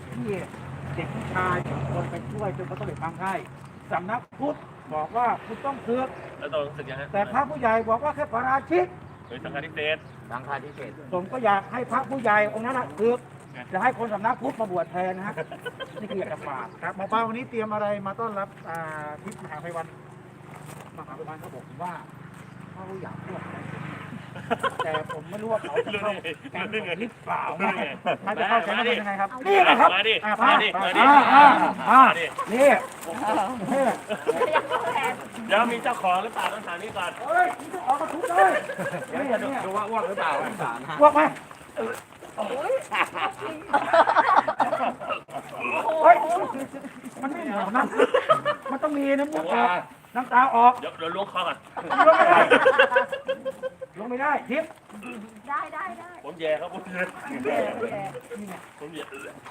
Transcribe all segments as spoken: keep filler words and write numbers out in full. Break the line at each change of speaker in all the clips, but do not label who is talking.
ที่เด็กผู้ชายสองคนไปช่วยจนเขาต้องไปทำให้สำนักพุทธบอกว่าคุณต้องศึก
แล้วตอนรู้สึกยังไง
แต่พระผู้ใหญ่บอกว่าแค่ปาราชิก
หรือสังฆาธิเศษ
สังฆาธิเศษ
ผมก็อยากให้พระผู้ใหญ่องค์นั้นศึกจะให้คนสำนักพุทธมาบวชแทนนะฮะนี่คืออยากจะฝากครับหมอปลาวันนี้เตรียมอะไรมาต้อนรับทิพย์มหาไพวันมหาไพวันเขาบอกว่าเขาอยากพูดอะไรแต่ผมไม่รู้ว่าเขาจะเข้าแกงผมหรือเปล่าไงเขาจะเข้าแกงผมยังไงครับนี่นะครับ
มาดิ
อ่า
มาดิมาดิ
อ่าอ่าอ่า
มาดิ
นี่นี่
เดี๋ยวมีเจ้าของหรือเปล่าต้องถามนี่ก่อน
เฮ้ยนี่จะออกมาทุบเลยนี่นี่
ดูว่าอ้วกหรือเปล่าสารฮะ
พวกไหมเฮ้ยมันไม่เหนียวนะมันต้องมีน้ำมูกออกน้ำตาออก
เดี๋ยวเดี๋ยวล้วงคอก่อน
ลงไม่ได้ลงไม่ได้ทิพย์
ได้ได้ได้
ผมแย่ครับผมแย่
แย่แย่
ผมแย่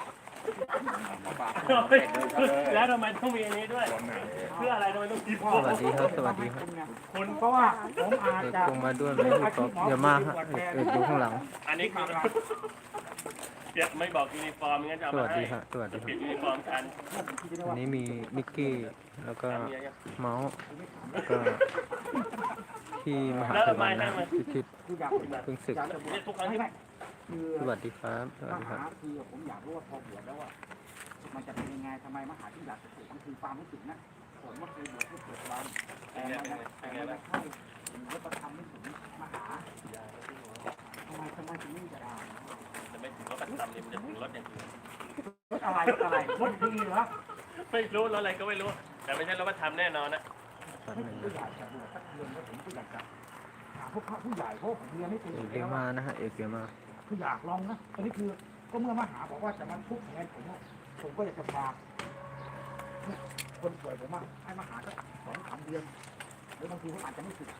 แล้วทำไมต้องมีอันนี้ด้วยเพื่ออะไรทำไมต้องมี
สวัสดีครับ สวัสดีครับ
คุณเพราะว่าผมอาจ
เอก
จะ
คงมาด้วยไหมพี่ป๊อปเยอะมากฮะเอกเอกอยู่ข้างหลัง
อันนี้คือเปียกไม่บอกยูนิฟอร์มงั้นจะเอา
ส
มา
วัส
ให้
ดีฮะสวัสดีค
เปลี่
รั
ยน
บ
ยูนิฟอร์มกัน
อันนี้มีมิกกี้แล้วก็เมาส์แล้วก็ที่มหา
แล้ว
วิท
ทำไม
ยาลั
ให้
ย
มัน
พิชิต
คืออยาก
เพิ่งศึก
เนี่ยทุกครั้งที่
คือ
สวัสดีครับสวัส
ม
ดีค
หา
รับ
คือผมอยากรู้ว่าพอบวชแล้วว่ามันจะเป็นยังไงทำไมมหาที่อยากจะศึกมันคือความรู้สึกนะผมว่าเคยบวชที่เกิดวันแต่มันแต่มันไม่ใช่วัฒนธรรมไม่ถึงมหาทำไมทำไมถึงไม่จะได้
จะไม่ถึงรถประจำเนี่ยมันจะถึงรถอย่างอื่น
รถอะไรรถอะไรรถดีเหรอ
ไม่รู้รถอะไรก็ไม่รู้ แต่ไม่ใช่รถประจำแน่นอนนะ
ให้ผมก็อยากจะบวชสักเดือนแล้วผมก็อยากจะหาพวกพระผู้ใหญ่เพราะผมเรียนไม่เป็น
เอกเยอะมากนะฮะเอกเยอะมาก
คืออยากลองนะอันนี้คือก็เมื่อมหาบอกว่าจะมาทุบแทนผมผมก็อยากจะพาคนป่วยผมว่าให้มาหาสักสองสามเดือนหรือบางทีเขาอาจจะไม่สึก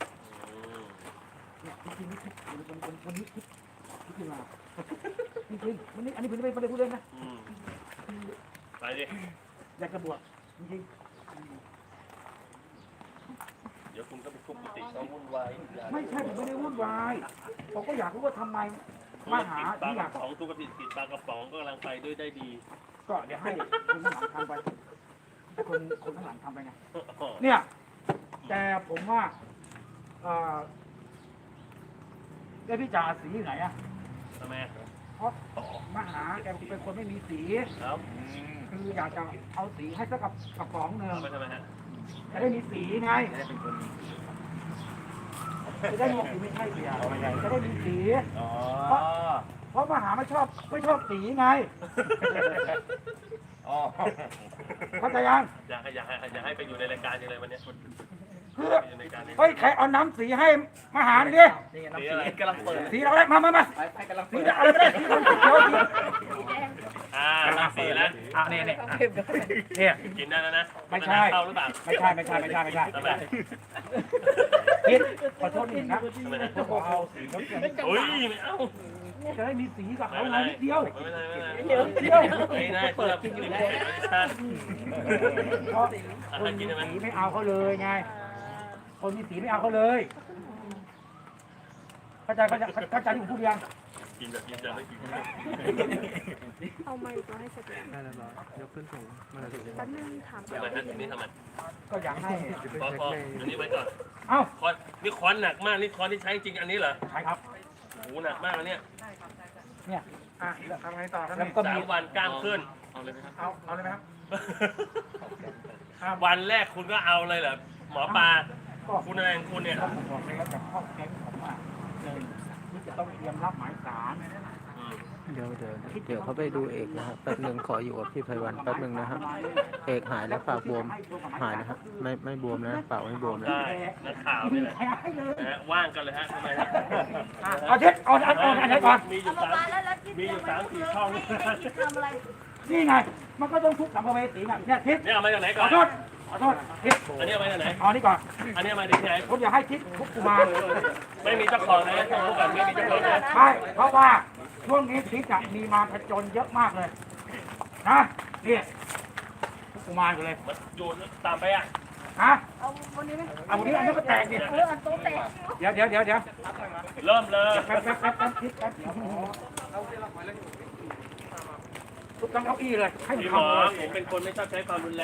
เนี่ยจริงๆนี่คิดวันวันวันนี้คิดคิดขึ้นมาจริงๆวันนี้อันนี้ผมไม่ไม่ได้พูดเล่นนะ
ไปดิ
อยากจะบวชจริง
เดี๋ยวคุณก็ไปทุบกุฏิเขาวุ่นวาย
ๆไม่ใช่ผมไม่ได้วุ่นวายผมก็อยากรู้ว่าทำไมมหา
ปลา
ที่อก ยาก
ระป๋องทุกกระปิดปิดปลากระป๋องก็กำลังไปด้วยได้ดี
ก็เดี๋ยวให้คนข้างหลังทำไปให้คนคนข้างหลังทำไปไงเนี่ย แต่ผมว่าเอ่อได้พี่จ่าสีอยู่ไหนอะ
ทำไม
เพราะมหาแกเป็นคนไม่มีสี
ครับ
คืออยากจะเอาสีให้สักกับกระป๋องหนึ่ง
เอาไปทำไมฮะ
จะได้มีสีไงจะได้มีสีไม่ใช่สีจะได้มีสี
อ๋อ
เพราะมหาไม่ชอบไม่ชอบสีไง
อ๋อ
เข้าใจยัง
อยากให้อยากให้อยากให้ไปอยู่ในรายการยังไงวันนี้
คือ
อยู่ในรายการนี้
เฮ้ยใครเอาน้ำสีให้มหาหน่อยดิ
นี่ไงน้ำสีกำลังเปิด
สีอะไรมามามา
ไปไปกำลัง
สี
เปิด
อะไรไม่ได้สีเขียวสี
อ่าน้ำสีแล้ว
อ่ะเนี่ยเนี่ยเนี่ย
กินได้แล้วนะ
ไม่ใช่
เข้าหรือเปล่า
ไม่ใช่ไม่ใช่ไม่ใช่ไม่ใช่
ทำไม
คิดขอโทษนิดนะจะบอกเอาสีน้ำเงิน
อุ้ยไม่เอา
จะได้มีสีกับ
ไม่
เขา
เป็น
ห
ไร
น่อยนิดเดียว
ไม่เป็นไรไม่เป็นไร
เดียวเดียว
ไม่ได้เปิดกินอยู่ได้
เพราะคนมีสีไม่เอาเขาเลยไง คนมีสีไม่เอาเขาเลยเข้าใจเข้าใจเข้าใจที่ผมพูดยัง
กินแบบกินจะไม่กิน
เอาไม้ตัวให้เสร็จแล้ว
ได้แล้วเหรอยกขึ้นสูงมาถึง
แป๊บนึงถาม
ทำไมฮะนี่ทำไม
ก็อยากให้
พอพออันนี้ไว้ก่อน
เอ้า
คอนนี่คอนหนักมากนี่คอนที่ใช้จริงอันนี้เหรอ
ใช่ครับ
โอ้โหหนักมากอันเนี้ย
เนี่ยอ่ะทำไงต่อครับแล้วก็
สา
มี
มวันกล้ามขึ้นเอาเลยไหมครับ
เอาเอาเลยไหมครับ
วันแรกคุณก็เอาเลยเหรอหมอปลา
ก็
คุณอะไรของคุณเนี่ย
ก็ผมบอกเลยว่าจากข้อแก๊งผมว่าหนึ่งที่จะต้องเตรียมรับหมายสาร
อืม
เดี๋ยวเดี๋ยวเดี๋ยวเขาไปดูเอกนะฮะแป๊บหนึ่งขออยู่กับพี่ไพวันแป๊บหนึ่งนะฮะเอกหายแล้วปากบวมหายนะฮะไม่ไม่บวมนะปากไม่บวมนะ
ได้นักข่าวนี่แหละ
ให้เลย
นะฮะว่างกันเลยฮะทำไมฮะ
เอาเช็ดเอาอันเอาอันไหนก่อน
มีอยู่
เอา
สาม
มาแล้วแล้วที่
มีอยู่สามสี่ช่อง
ทำอะไร
นี่ไง มันก็ต้องทุกสัมภเวสีไงเนี่ยทิศ
เนี่ยเอามาจากไหน
ข
ก่อ
อน โทษขอโทษทิศ
อันนี้เอามาจากไหน
เอานี่ก่อน
อันนี้เอามาจากที่ไหน
ผมอยากให้ทิศทุกกุมาร
ไม่มีเจ้าของนะต้องรู้ก่อนไม่มีเจ้าของนะ
ใช่เพราะว่าช่วงนี้ทิศจะมีมาผจญเยอะมากเลยนะนี่ทุกกุมารกันเลย
มันอยู่ตามไปอ่ะ
ฮะ
เอาวันนี้ไหม
เอาวันนี้อันนี้ก็แตกดิ
เอออันโต๊ะแตก
เดี๋ยวเดี๋ยวเดี๋ยวเดี๋ยว
เริ่มเลย
แป๊บแป๊บแป๊บแป๊บทิศแป๊บทุบทั้งเก้าอี้เลยให้
พี่ห
ทำ
มอ
เลย
ผมเป็นคนไม่ชอบใช้ความรุนแรง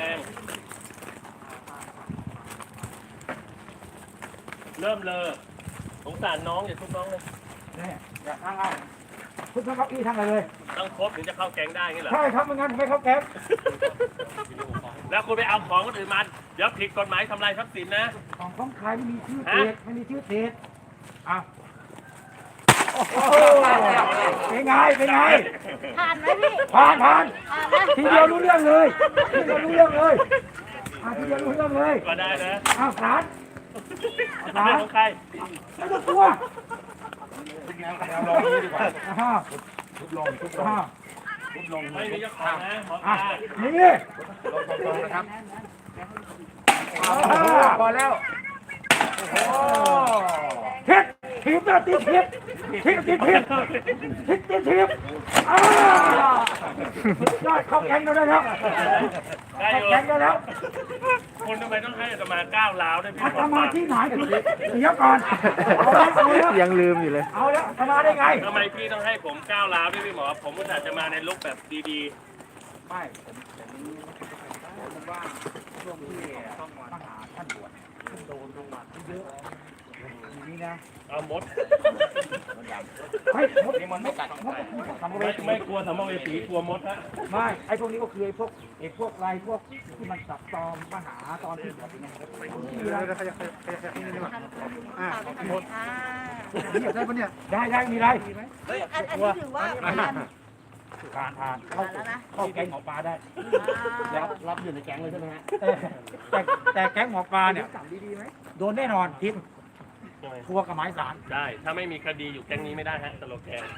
เริ่มเลยสงสารน้องอย่าทุบน้องเลย
เนี่ยอย่าทางเอาทุบทั้งเก้าอี้ทั้งอะไรเลย
ต้องครบถึงจะเข้าแก๊งได้งี้เหรอ
ใช่ครับไม่งั้นผมไม่เข้าแก๊ง
แล้วคุณไปเอาของคนอื่นมาเดี๋ยวผิดกฎหมายทำลายทรัพย์สินนะ
ของของใครไม่มีชื่อเศษไม่มีชื่อเศษอ่ะโอ้โหเป็นไงเป็นไง
ผ่านไหมพี่
ผ่านผ่าน
ผ่านนะ
ทีเดียวรู้เรื่องเลยทีเดียวรู้เรื่องเลยอ่ะทีเดียวรู้เรื่องเลย
ก็ได้นะ
อ้าวสาร
เรื่องของใคร
ไม่ต้องกลัว
เราลองนี้ดีกว่า
อ่า
ทุบลงทุบลง
อ่า
ทุบลง
ไม่มีเจ้าของนะหมอป
อ่ะ
ลา
นี่
ลงตรงๆนะครับ
อ่า
พอแล้วโอ้
ทิศทิศนะทิศทิศทิศทิศทิศทิศทิศทิศอ่ายอดเข้าแก๊งเราได้แล้ว
ได้อ
เข้า
ยู่
แก๊งได้แล้ว
คุณทำไมต้องให้อาตมาก้าวร้าวด้วยพี่
อา
หมอ
ต
ป
มา
ลา
ที่ไหนเดี๋ยวก่อนเอาแล้วเอาแล้ว
ยังลืมอยู่เลย
เอาแล้วอาตมาได้ไง
ทำไมพี่ต้องให้ผมก้าวร้าวด้วยพี่หมอ ผมอุตส่าห์จะมาในลุคแบบดี
ไม่ผมผมว่าช่วงที่ต้องมาหาท่านบวชท่านโดนจังหวัดเยอะอย่างนี้นะ
ๆ เอามด
ไม่มดมันไม่กัดมดทำ
ไม่
ไม่
ไม่กลัวสัมภเวสีกลัวมดฮะ
ไม่ไอ้พวกนี้ก็คือไอ้พวกไอ้พวกไรพวกที่มันสับตอมมาหาตอนที่บวชอย่างเงี้ยมีอะไร
อ่าหมดอ่า
ได้ปะเนี่ยได้ได้มีอะไร
อันอันนี้ถือว่าผ่าน
ทานทานเข้าเข้าแก๊งหมอปลาได้
แล้วรับอยู่ในแก๊งเลยใช่ไหมฮะ
แต่แต่แก๊งหมอปลาเนี่ยโดนแน่นอนทิพย์ทัวกับหมายสาร
ได้ ถ้าไม่มีคดีอยู่แก๊งนี้ไม่ได้ฮะสโลแกน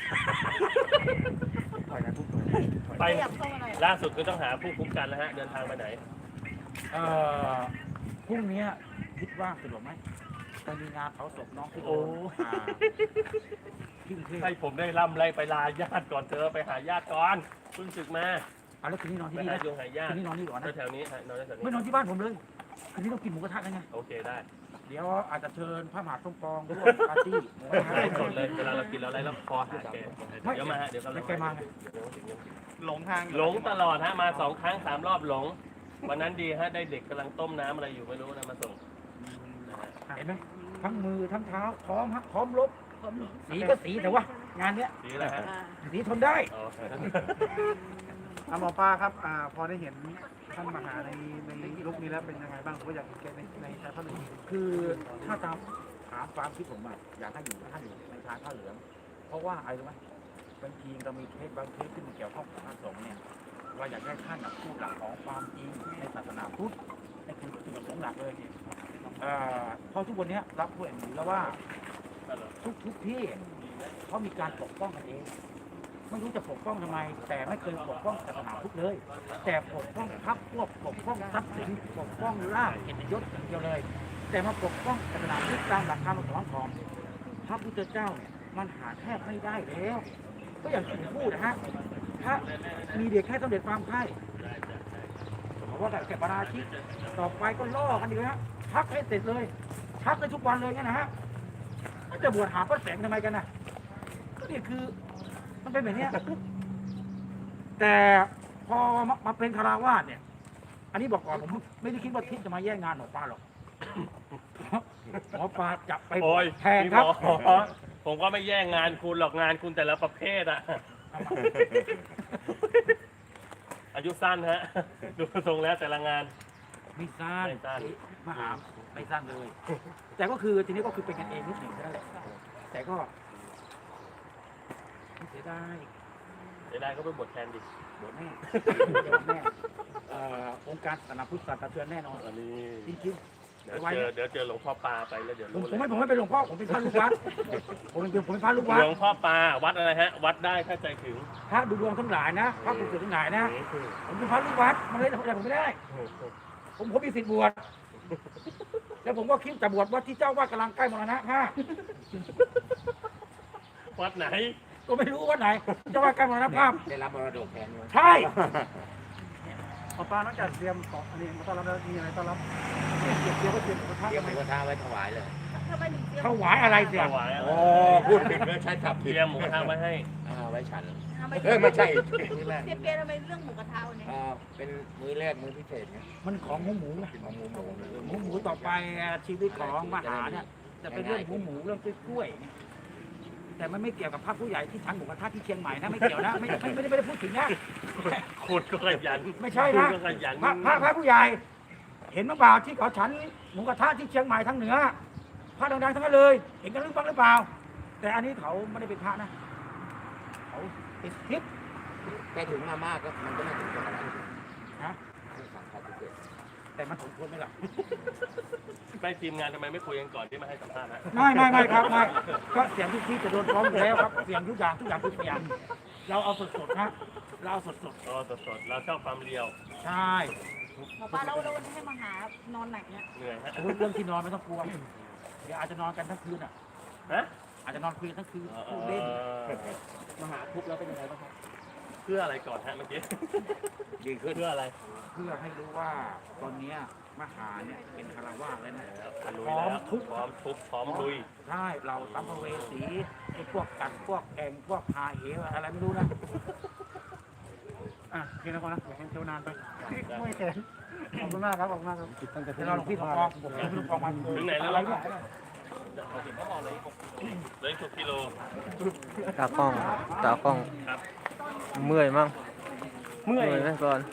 ไป
ขยับเข้ามาหน่อย
ล่าสุดก็ต้องหาผู้คุ้มกันแล้วฮะ เดินทางไปไหน
เอ่อพรุ่งนี้คิดว่าสะดวกไหมไปมีงานเผาศพน้องที่โอ
โอ้
อ่าที่กรุงเทพ
ให้ผมได้ล่ำไรไปลาญาติก่อนเธอไปหาญาติก่อนเพิ่งศึกมา
เอาแล้วคืนนี้นอนที่
ไป
นี่
หา
นะ
โยงหาญา
คื
ติ
นนี้นอนนี่ก่อนนะ
แถวๆนี้ฮะนอนแถวๆ
ไม่
นี้
นอนที่บ้านผมเลยคืนนี้ต้องกินหมูกระทะกันไง
โอเคได้
เดี๋ยวอาจจะเชิญพระมหาสมปองร่วมปาร์ตี้
ได้สดเลยเวลาเรากินเราอะไรแล้วคอหาแกเดี๋ยวมาฮะเดี๋ยวกำลัง
แกมาไง
หลงทาง
หลงตลอดฮะมาสองครั้งสามรอบหลง วันนั้นดีฮะได้เด็กกำลังต้มน้ำอะไรอยู่ไม่รู้นะมาส่งนะฮะ
เห็นไหมทั้งมือทั้งเท้าพร้อมฮะพร้อมลบสีก็สีแต่ว่างานเนี้ย
ดีแล้วฮะ
อ่า
สีทนได้
อ๋อ
หมอปลาครับอ่าพอได้เห็นท่านมหาในในลุคนี้แล้วเป็นยังไงบ้างผมก็อยากเห็นแกในในชายผ้าเหลือง
คือถ้าตามถามความคิดผมอะอยากให้อยู่ท่านอยู่ในชายผ้าเหลือง เพราะว่าอะไรรู้ไหมบางทีเรามีเคสบางเคสที่มันเกี่ยวข้องกับพระสงฆ์เนี่ยเราอยากให้ท่านน่ะพูดหลักของความจริงในศาสนาพุทธในคือจุดประสงค์หลักเลยเอ่อเพราะทุกวันเนี้ยรับผู้เห็นแล้วว่าทุกทุกที่เขามีการปกป้องกันเอง ไม่รู้จะปกป้องทำไม แต่ไม่เคยปกป้องศาสนาพุทธเลย แต่ปกป้องพรรคพวกปกป้องทรัพย์สินปกป้องลาภเกียรติยศอย่างเดียวเลย แต่มาปกป้องศาสนาพุทธตามหลักคำสอนของพระพุทธเจ้าเนี่ยมันหาแทบไม่ได้แล้ว ก็อย่างที่ผมพูดนะฮะถ้ามีเด็กแค่สำเร็จความใคร่บอกว่าแบบแกปราชิกต่อไปก็ล่อกันดีนะฮะพักให้เสร็จเลยพักได้ทุกวันเลยเนี่ยนะฮะจะบวชหาพระแสงทำไมกันนะก็นี่คือมันเป็นแบบเนี้ยแต่พอมามาเป็นคาราวาสเนี่ย อันนี้บอกก่อนผมไม่ได้คิดว่าทิศจะมาแย่งงานหมอปลาหรอกหมอปลาจะไป
โอ้ย
แทนครับ
พี่หมอผมก็ไม่แย่งงานคุณหรอกงานคุณแต่ละประเภทอะอายุสั้นฮะ ดูทรงแล้วแต่ละงาน
ไม่สั้น
ไม่สั้น
มหาไม่สั้นเลย แต่ก็คือทีนี้ก็คือเป็นกันเองนิดหนึ่งนั่นแหละแต่ก็ไม่เสียดาย
เดี๋ยวได้ก็ไปบทแทนดิ
บวชแน่บวชแน่เอ่อองค์การศาสนาพุทธสะเทือนแน่นอน
อันนี้
จริง
เดี๋ยวเจอเดี๋ยวเจอหลวงพ่อปลาไปแล้วเดี๋ยว
ๆผม
รู้
ผม
เล
ไม่
ย
ผมไม่เป็นหลวงพ่อผมเป็นพระลูกวัดผมเป็นผมเป็นพระลูกวัด
หลวงพ่อปลาวัดอะไรฮะ วัดได้ถ้าใจถึง
พระดูดวงทั้งหลายนะพระปลุกเสกทั้งหลายนะผมเป็นพระลูกวัดมันเลยทำอะไรผมไม่ได้ ผมผมมีสิทธิ์บวชแล้วผมก็คิดจะบวชวัดที่เจ้าว่ากำลังใกล้มรณะฮะ
วัดไหน
ก็ไม่รู้วัดไหนเจ้าว่าใกล้มรณภาพ
ได้รับมรดกแทนด้วย
ใช่
หมอปลานอกจากเตรียมของอันนี้มาต้อนรับแล้วมีอะไรต้อนรับเตรียมเตรียมก็เตรียมกระทะ
เตรียมหมูกระทะไว้ถวายเลย
ทำไมถึงเตรียม
ถวายอะไรเสีย
ถวายอะไร
โอ้พูดผิดเลยใช้ขับ
เต
ผิด
รียมหมูกระทะไว้ให้
อ่าไว้ฉัน
ททำไม
เออไม่ใช่
เปียเปียทำไมเรื่องหมูกระทะวันนี้
อ่าเป็นมื้อแรกมื้อพิเศษไง
มันของหมูหมูไง
ของหมูหมู
หมูหมูต่อไปชีวิตของมหาเนี่ยจะเป็นเรื่องหมูหมูเรื่องกล้วยๆแต่มันไม่เกี่ยวกับพระผู้ใหญ่ที่ชั้นหมูกระทะที่เชียงใหม่นะไม่เกี่ยวนะไม่ไม่ไม่ได้ไม่ได้พูดถึงนะ
คุณก็ขยัน
ไม่ใช่
คุณ
นะ
ก็ขยัน
พระพระพระผู้ใหญ่ เห็นมั้งเปล่าที่เขาชั้นหมูกระทะที่เชียงใหม่ทางเหนือพระดังๆทั้งนั้นเลย เห็นกันหรือเปล่าหรือเปล่า แต่อันนี้เขาไม่ได้เป็นพระนะเขาเป็นทิพย์
แต่ถึงมามากก็มันก็ไม่ถึงขนาดนั้น
นะ
สั่งข้าวพิเศษ
แต่มันสมควรไหมล่ะ
ไปทีมงานทำไมไม่คุยกันก่อนที่มาให้สัมภาษณ์นะ
ไม่ไม่ไม่ครับไม่ก็เสียงทุกที่จะโดนฟ้องอยู่แล้วครับเสียงทุกอย่างทุกอย่างทุกอย่างเราเอาสดๆนะเราเอาสด
อ๋อสดๆเราชอบความเรียว
ๆใช่
หมอปลาเราเราให้มาหานอนไหนเนี่ย
เหนื่อยฮะ
โอ้ยเรื่องที่นอนไม่ต้องกลัวเดี๋ยวอาจจะนอนกันทั้งคืนอ่ะ
ฮะ
อาจจะนอนคุยกันทั้งคืน
เอ
พูดเล่น
อ
มาหาทุบแล้วเป็นยังไงบ้างครับ
เพื่ออะไรก่อนฮะเมื่อกี้
ดีขึ้น
เพื่ออะไร
เพื่อให้รู้ว่าตอนเนี้ยมหาเนี่ยเป็นคารวาสแล้วนะ
ลุย
พร้อม
แล้ว
ทุก
พร้อมทุบพร้อมลุย
ใช่เราสัมภเวสีไอ้พวกกัดพวกแองพวกหาเหวอะไรไม่รู้นะอ่ะโอเคนะคนนะอย่าให้เที่ยวนานไปไม่แข็งขอบคุณมากครับขอบคุณมากครับเดี๋ยวเราหลวงพี่ทองกองผมหลวงพี่ทองกองมา
ถึงไหนแล้ว
อะไร
ล่ะ
เนี่ย
เหลยหกกิโล
ตากล้องตากล้อง
ครับ
เมื่อยมั้ง
เมื่อย
ไหมก่อน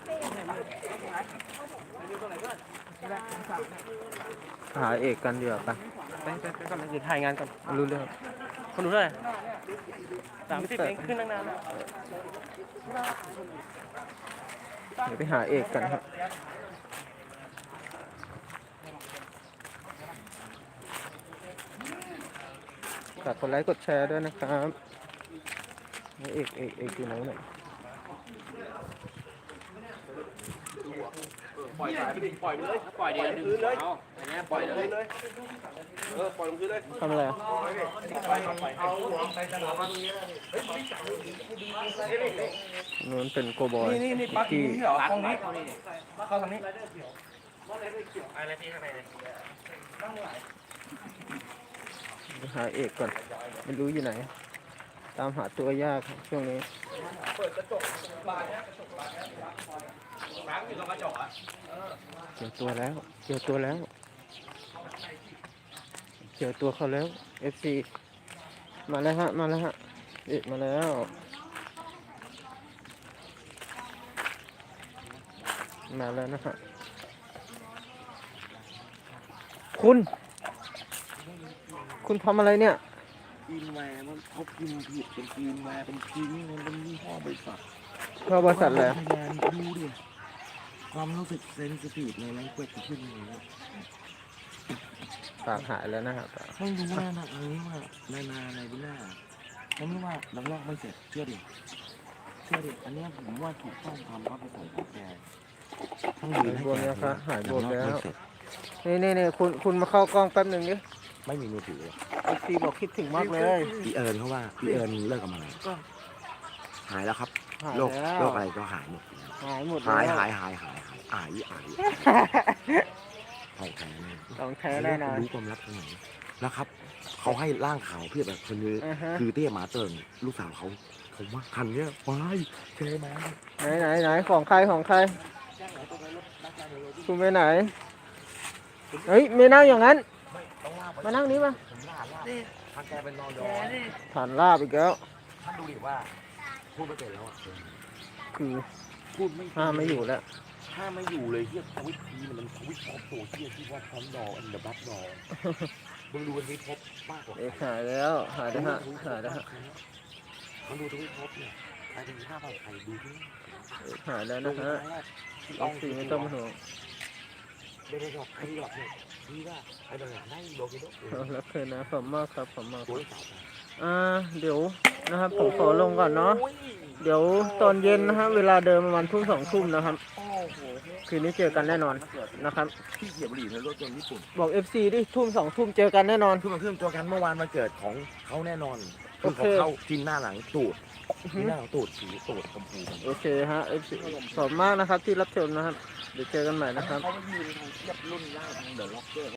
หาเอกกันเดี๋ยวาปะ
ไปไปไปก่อนเดี๋ยวถ่ายงานก่อน
รู้เรื่อง
คนดูเท่าไหร่สามสิบเองขึ้นตั้งนานแล้ว
เดี๋ยวไปหาเอกกันครับฝากกดไลค์กดแชร์ด้วยนะครับเอกเอกเอกอยู่ไหนเนี่ย
ปล่อยสายไปดิปล่อยเลยปล่อยเดี๋ยวดึงเลยเอาอันนี้ปล่อยเลยเออปล่อยลงพื้นเลย
ทำอะไรอ่ะ
เอาหัวไปตลอดมาตรงนี้
นู้นเป็นโกบอย
นี่นี่ปัก
ที่
นี่เหรอตรงนี้เข้าทางนี้
อะไรที่ข้างในเนี่ย
ไปหาเอกก่อนไม่รู้อยู่ไหน ตามหาตัวยากครับช่วงนี้
น้ำอยู่ตรงกระจกอ่ะ
เจอตัวแล้ว เจอตัวแล้ว เจอตัวเขาแล้ว เอฟ ซี มาแล้วฮะ มาแล้วฮะ เอกมาแล้ว มาแล้วนะฮะ คุณ คุณทำอะไรเนี่ย
กินแหวนมันเขากินผิดเป็นกินแหวนเป็นทิ้งมันเป็นยี่ห้อบริษัท
เข้าบริษัทแล้ว
พยานดูดิความรู้สึกเซนซิทีฟในแรงเกวดขึ้นเลย
ปากหายแล้วนะครับ
ไม่รู้ว่านะอันนี้ว่าในนาในวิลล่าผมรู้ว่าลังลอกไม่เสร็จเชื่อดิเชื่อดิอันนี้ผมว่าถูกต้องตามรับประสงค์ของแกทั้ง
หายบวมแล้วครับหายบวมแล้ว นี่นี่นี่คุณคุณมาเข้ากล้องแป๊บหนึ่งดิ
ไม่มีมือถือเลย
เอฟซีบอกคิดถึงมากเลย
พี่เอิญเขาว่าพี่เอิญเลิกกับมันก็หายแล้วครับ
หาย
โรค
แล้ว
โรคอะไรก็หายหมด
หายหมด
หาย
แล้ว
หายหายหายหายอายอายของแท้แน่
ต้องแท้แน่นอน
รู้ความลับตรงไหนนะครับ เขาให้ร่างขาวเพียบแบบคนนี้
อ่าฮะ
คือเตี้ยหมาเติงลูกสาวเขาผมว่าคันเนี้ยว้ายเจมา
ไหนไหนไหนของใครของใคร คุณไปไหน เฮ้ยไม่นั่งอย่างนั้น มานั่งนี้มา
ผมล่าล่าถ้าแกเป็นนอนยอ
ผ่านลาบอีกแล้ว
ท่านดูดิว่าพูดไม่เป็นแล้วอ่ะ
คือ
พูดไม่
ห้ามไม่อยู่แล้ว
ห้ามไม่อยู่เลยเฮียทวิตทีมันทวิตพบโซเชียลที่ว่าพร้อมดออันเดอร์บัตดอมึงดูทวิตพบมากกว่า
เอกหายแล้วหายแล้วฮะหายแล้วฮะ
มันดูทวิตพบเนี่ยใครเป็นห้าพันใครดูที่
เอกหายแล้วนะฮะเอฟซีไม่ต้องเป็นห่วง
เดนดอกใครดอกเนี่ยที่ว่าไอ้ดอกนั่งโดกิโด
เอาแล้วเคยนะขอบมากครับขอบมาก
ตัวสาว
อ่าเดี๋ยวนะครับผมขอลงก่อนเนาะ เดี๋ยวตอนเย็นนะฮะเวลาเดิมประมาณทุ่มสองทุ่มนะครับ
โอ้โห
คืนนี้เจอกันแน่นอนนะครับ
ที่เขียบบุหรี่ในรถยนต์ญี่ปุ่น
บอก เอฟ ซี ดิทุ่มสองทุ่มเจอกันแน่นอน
คือมันเครื่องตัวกันเมื่อวานมาเกิดของเขาแน่นอนคือ
โอ
เขา
เค
เข้าจินหน้าหลังตูดจินหน้าหลังตูดสีตูดชมพูกัน
โอเคฮะ เอฟ ซี ขอบมากนะครับที่รับชมนะครับ เดี๋ยวเจอกันใหม่นะครับ
เขาไปยืนทางเทียบรุ่นล่างทางเดอะล็อกเกอร์